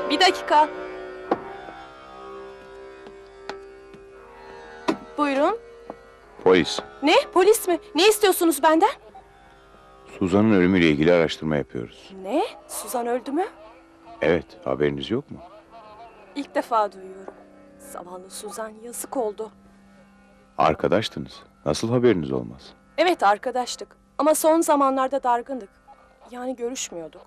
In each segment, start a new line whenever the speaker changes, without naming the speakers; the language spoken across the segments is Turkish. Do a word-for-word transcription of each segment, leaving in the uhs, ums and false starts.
Bir dakika. Buyurun.
Polis,
Ne? Polis mi? Ne istiyorsunuz benden?
Suzan'ın ölümüyle ilgili araştırma yapıyoruz.
Ne? Suzan öldü mü?
Evet, haberiniz yok mu?
İlk defa duyuyorum. Zavallı Suzan, yazık oldu.
Arkadaştınız. Nasıl haberiniz olmaz?
Evet, arkadaştık. Ama son zamanlarda dargındık. Yani görüşmüyorduk.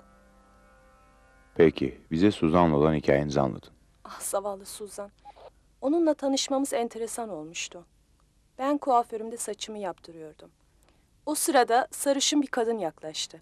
Peki, bize Suzan'la olan hikayenizi anlatın.
Ah, zavallı Suzan. Onunla tanışmamız enteresan olmuştu. Ben kuaförümde saçımı yaptırıyordum. O sırada sarışın bir kadın yaklaştı.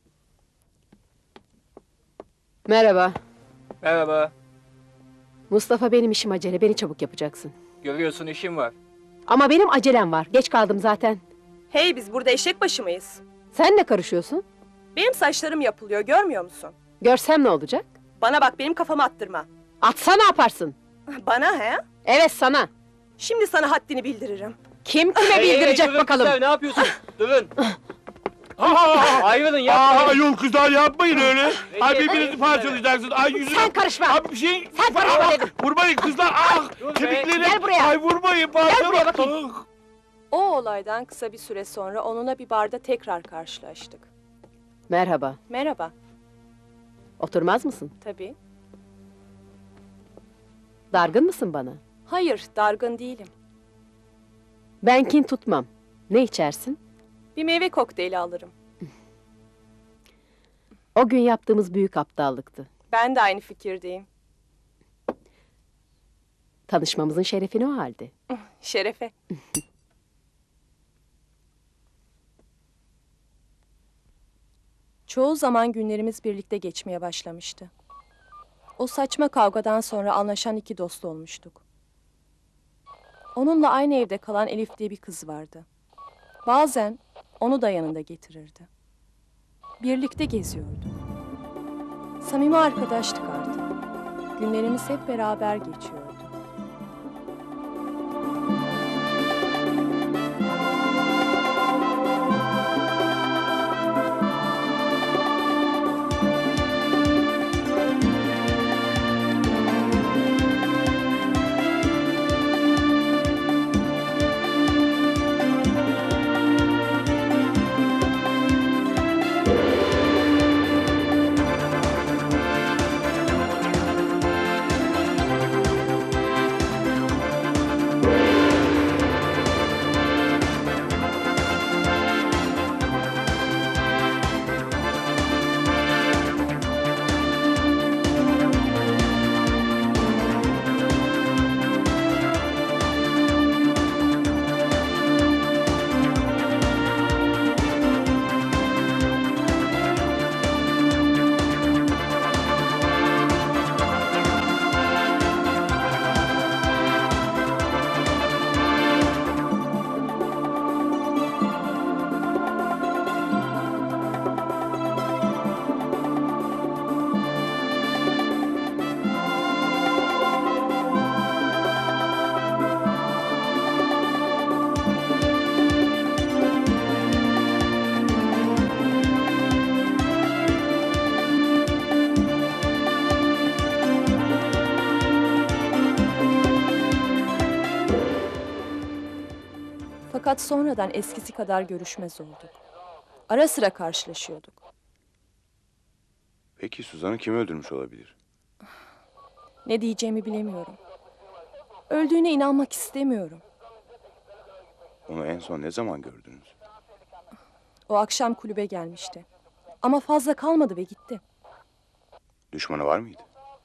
Merhaba.
Merhaba.
Mustafa, benim işim acele. Beni çabuk yapacaksın.
Görüyorsun işim var.
Ama benim acelem var. Geç kaldım zaten.
Hey, biz burada eşek başı mıyız?
Sen ne karışıyorsun?
Benim saçlarım yapılıyor, görmüyor musun?
Görsem ne olacak?
Bana bak, benim kafamı attırma.
Atsa ne yaparsın?
Bana he?
Evet, sana.
Şimdi sana haddini bildiririm.
Kim kime bildirecek
durun
bakalım?
kızlar, ne yapıyorsun? Durun.
Aa,
Ayrılın
aa,
yapmayın.
yol kızlar yapmayın öyle. Ay
Recep,
birbirinizi parçalayacaksınız. Ay yüzüne.
Sen karışma.
Abi bir şey.
Sen karışma
Ah,
dedim.
Vurmayın kızlar. Ah,
Dur be.
kemiklerim.
Gel buraya.
Ay vurmayın parçala.
buraya bakayım.
Ah.
O olaydan kısa bir süre sonra onunla bir barda tekrar karşılaştık.
Merhaba.
Merhaba.
Oturmaz mısın?
Tabii.
Dargın mısın bana?
Hayır, dargın değilim.
Ben kin tutmam. Ne içersin?
Bir meyve kokteyli alırım.
O gün yaptığımız büyük aptallıktı.
Ben de aynı fikirdeyim.
Tanışmamızın şerefini o halde.
Şerefe. Çoğu zaman günlerimiz birlikte geçmeye başlamıştı. O saçma kavgadan sonra anlaşan iki dost olmuştuk. Onunla aynı evde kalan Elif diye bir kız vardı. Bazen onu da yanında getirirdi. Birlikte geziyorduk. Samimi arkadaştık artık. Günlerimiz hep beraber geçiyordu. Fakat sonradan eskisi kadar görüşmez olduk. Ara sıra karşılaşıyorduk.
Peki Suzan'ı kim öldürmüş olabilir?
Ne diyeceğimi bilemiyorum. Öldüğüne inanmak istemiyorum.
Onu en son ne zaman gördünüz?
O akşam kulübe gelmişti. Ama fazla kalmadı ve gitti.
Düşmanı var mıydı?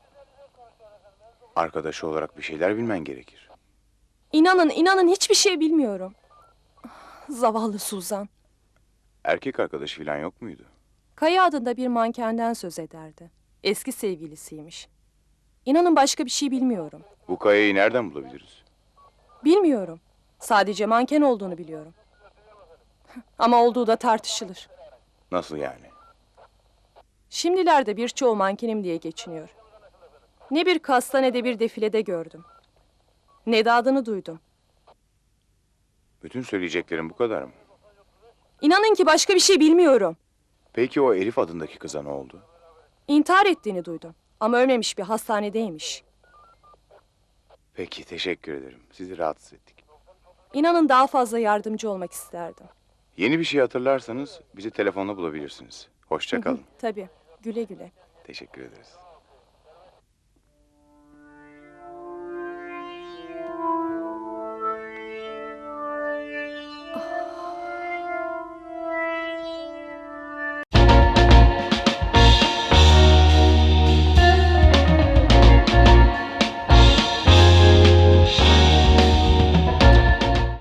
Arkadaşı olarak bir şeyler bilmen gerekir.
İnanın, inanın hiçbir şey bilmiyorum. Zavallı Suzan.
Erkek arkadaşı falan yok muydu?
Kaya adında bir mankenden söz ederdi. Eski sevgilisiymiş. İnanın başka bir şey bilmiyorum.
Bu Kaya'yı nereden bulabiliriz?
Bilmiyorum. Sadece manken olduğunu biliyorum. Ama olduğu da tartışılır.
Nasıl yani?
Şimdilerde birçoğu mankenim diye geçiniyor. Ne bir kasta ne de bir defilede gördüm. Ne de adını duydum.
Bütün söyleyeceklerim bu kadar mı?
İnanın ki başka bir şey bilmiyorum.
Peki o Elif adındaki kıza ne oldu?
İntihar ettiğini duydum. Ama ölmemiş, bir hastanedeymiş.
Peki, teşekkür ederim. Sizi rahatsız ettik.
İnanın daha fazla yardımcı olmak isterdim.
Yeni bir şey hatırlarsanız bizi telefonla bulabilirsiniz. Hoşça kalın.
Tabii. Güle güle.
Teşekkür ederiz.